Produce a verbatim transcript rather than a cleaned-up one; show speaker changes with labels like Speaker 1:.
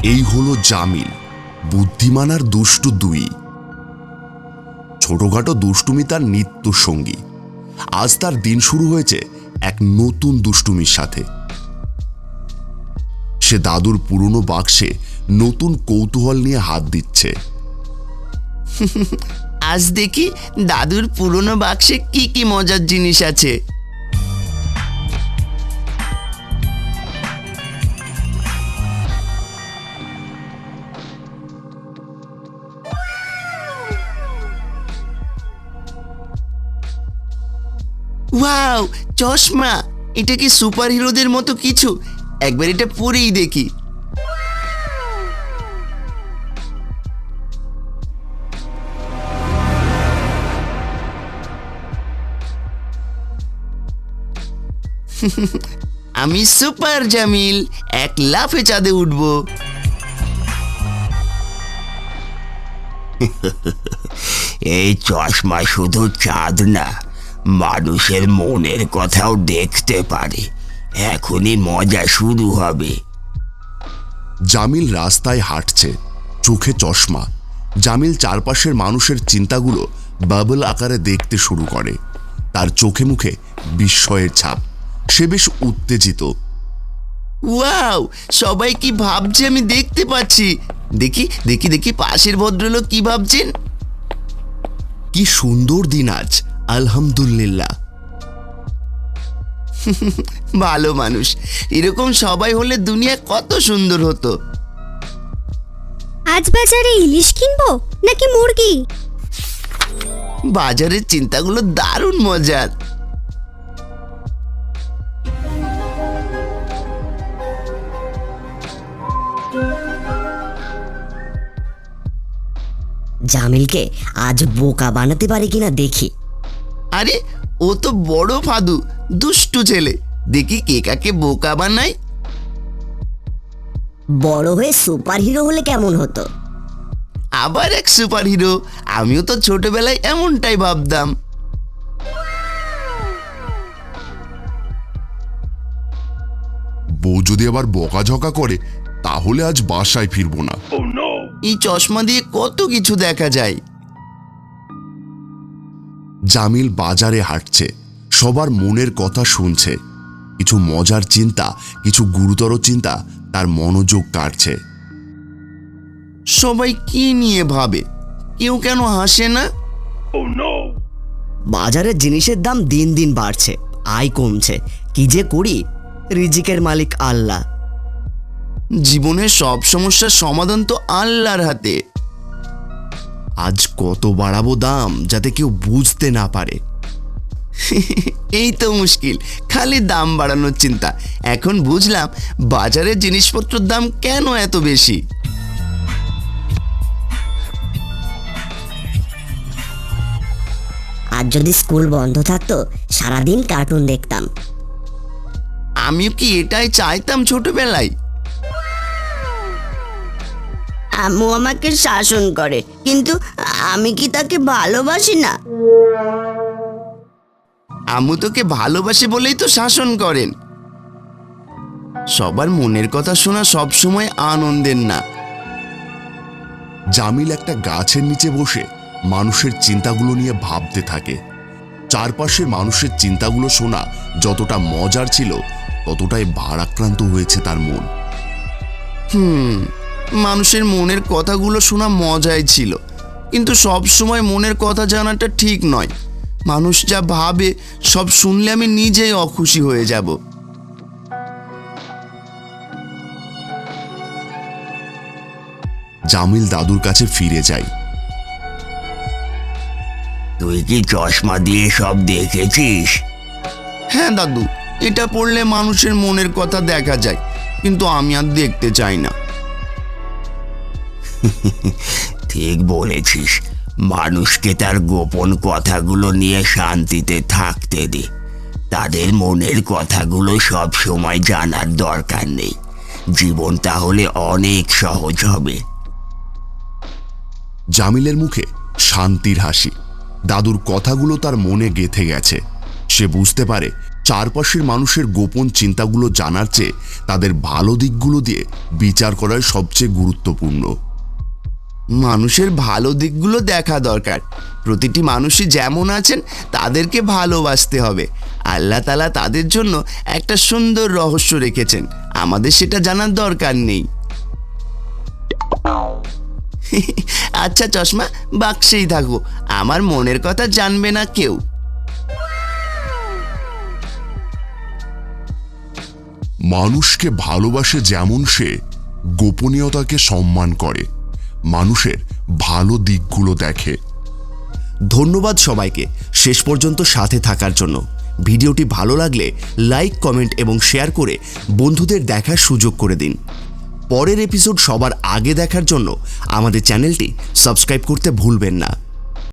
Speaker 1: এই হলো জামিল, বুদ্ধিমান আর দুষ্টু দুই। ছোটখাটো দুষ্টুমি তার নিত্য সঙ্গী। আজ তার দিন শুরু হয়েছে এক নতুন দুষ্টুমির সাথে। সে দাদুর পুরনো বাক্সে নতুন কৌতূহল নিয়ে হাত দিচ্ছে।
Speaker 2: আজ দেখি দাদুর পুরনো বাক্সে কি কি মজার জিনিস আছে। ওয়াও, চশমা! এটা কি সুপার হিরোদের মতো কিছু? একবার এটা পরেই দেখি। আমি সুপার জামিল, এক লাফে চাঁদে উঠব।
Speaker 3: এই চশমা শুধু চাঁদ না, মানুষের মনের কথাও দেখতে পারে। এখনই মজা শুরু হবে।
Speaker 1: জামিল রাস্তায় হাঁটছে, চোখে চশমা। জামিল চারপাশের মানুষের চিন্তাগুলো বাবল আকারে দেখতে শুরু করে। তার চোখে মুখে বিস্ময়ের ছাপ। সে বেশ উত্তেজিত।
Speaker 2: ওয়াও, সবাই কি ভাবছে আমি দেখতে পাচ্ছি। দেখি দেখি দেখি পাশের ভদ্রলোক কি ভাবছেন।
Speaker 1: কি সুন্দর দিন আজ, আলহামদুলিল্লাহ।
Speaker 2: ভালো মানুষ, এরকম সবাই হলে দুনিয়া কত সুন্দর হতো।
Speaker 4: আজ বাজারে ইলিশ কিনবো নাকি মুরগি?
Speaker 2: বাজারের চিন্তাগুলো দারুণ মজার।
Speaker 5: জামিলকে আজ বোকা বানাতে পারে কিনা দেখি।
Speaker 2: আরে, ও তো বড় ফাদু, দুষ্টু ছেলে। দেখি কে কাকে বোকা বানায়।
Speaker 5: বড় হয়ে সুপার হিরো হলে কেমন হতো?
Speaker 2: আবার এক সুপার হিরো! আমিও তো ছোটবেলায় এমনটাই ভাবতাম।
Speaker 1: বউ যদি আবার বকাঝকা করে তাহলে আজ বাসায় ফিরবো না।
Speaker 2: এই চশমা দিয়ে কত কিছু দেখা যায়।
Speaker 1: জামিল বাজারে হাঁটছে, সবার মনের কথা শুনছে। কিছু মজার চিন্তা, কিছু গুরুতর চিন্তা তার মনোযোগ কাটছে।
Speaker 2: সবাই কি নিয়ে ভাবে? কেউ কেন হাসে না?
Speaker 5: বাজারের জিনিসের দাম দিন দিন বাড়ছে, আয় কমছে। কি যে করি? রিজিকের মালিক আল্লাহ।
Speaker 2: জীবনের সব সমস্যার সমাধান তো আল্লাহর হাতে।
Speaker 1: আজ কত বাড়াবো দাম যাতে কেউ বুঝতে না পারে।
Speaker 2: এই তো মুশকিল, খালি দাম বাড়ানোর চিন্তা। এখন বুঝলাম বাজারের জিনিসপত্রের দাম কেন এত বেশি।
Speaker 5: আজ যদি স্কুল বন্ধ থাকতো সারাদিন কার্টুন দেখতাম।
Speaker 2: আমিও কি এটাই চাইতাম ছোটবেলায়।
Speaker 4: আম্মু আমাকে শাসন করে, কিন্তু আমি কি তাকে ভালোবাসি না?
Speaker 2: আম্মু তোকে ভালোবাসে বলেই তো শাসন করেন। সবার মনের কথা শোনা সবসময় আনন্দের না।
Speaker 1: জামিল একটা গাছের নিচে বসে মানুষের চিন্তাগুলো নিয়ে ভাবতে থাকে। চারপাশের মানুষের চিন্তাগুলো শোনা যতটা মজার ছিল, ততটাই ভারাক্রান্ত হয়েছে তার মন।
Speaker 2: হুম মানুষের মনের কথাগুলো শোনা মজাই ছিল, কিন্তু সব সময় মনের কথা জানাটা ঠিক নয়। মানুষ যা ভাবে সব শুনলে আমি নিজেই অখুশি হয়ে যাব।
Speaker 1: জামিল দাদুর কাছে ফিরে যায়।
Speaker 3: তুই কি চশমা দিয়ে সব দেখেছিস?
Speaker 2: হ্যাঁ দাদু, এটা পড়লে মানুষের মনের কথা দেখা যায়, কিন্তু আমি আর দেখতে চাই না।
Speaker 3: ঠিক বলেছিস। মানুষকে তার গোপন কথাগুলো নিয়ে শান্তিতে থাকতে দে। তাদের মনের কথাগুলো সব সময় জানার দরকার নেই। জীবন তাহলে অনেক সহজ হবে।
Speaker 1: জামিলের মুখে শান্তির হাসি। দাদুর কথাগুলো তার মনে গেঁথে গেছে। সে বুঝতে পারে চারপাশের মানুষের গোপন চিন্তাগুলো জানার চেয়ে তাদের ভালো দিকগুলো দিয়ে বিচার করাই সবচেয়ে গুরুত্বপূর্ণ।
Speaker 2: মানুষের ভালো দিকগুলো দেখা দরকার। প্রতিটি মানুষই যেমন আছেন তাদেরকে ভালোবাসতে হবে। আল্লাহ তাআলা তাদের জন্য একটা সুন্দর রহস্য রেখেছেন, আমাদের সেটা জানার দরকার নেই। আচ্ছা চশমা, বাক্সেই থাকো, আমার মনের কথা জানবে না কেউ।
Speaker 1: মানুষকে ভালোবাসে যেমন সে গোপনীয়তাকে সম্মান করে, মানুষের ভালো দিকগুলো দেখে।
Speaker 5: ধন্যবাদ সবাইকে শেষ পর্যন্ত সাথে থাকার জন্য। ভিডিওটি ভালো লাগলে লাইক, কমেন্ট এবং শেয়ার করে বন্ধুদের দেখার সুযোগ করে দিন। পরের এপিসোড সবার আগে দেখার জন্য আমাদের চ্যানেলটি সাবস্ক্রাইব করতে ভুলবেন না।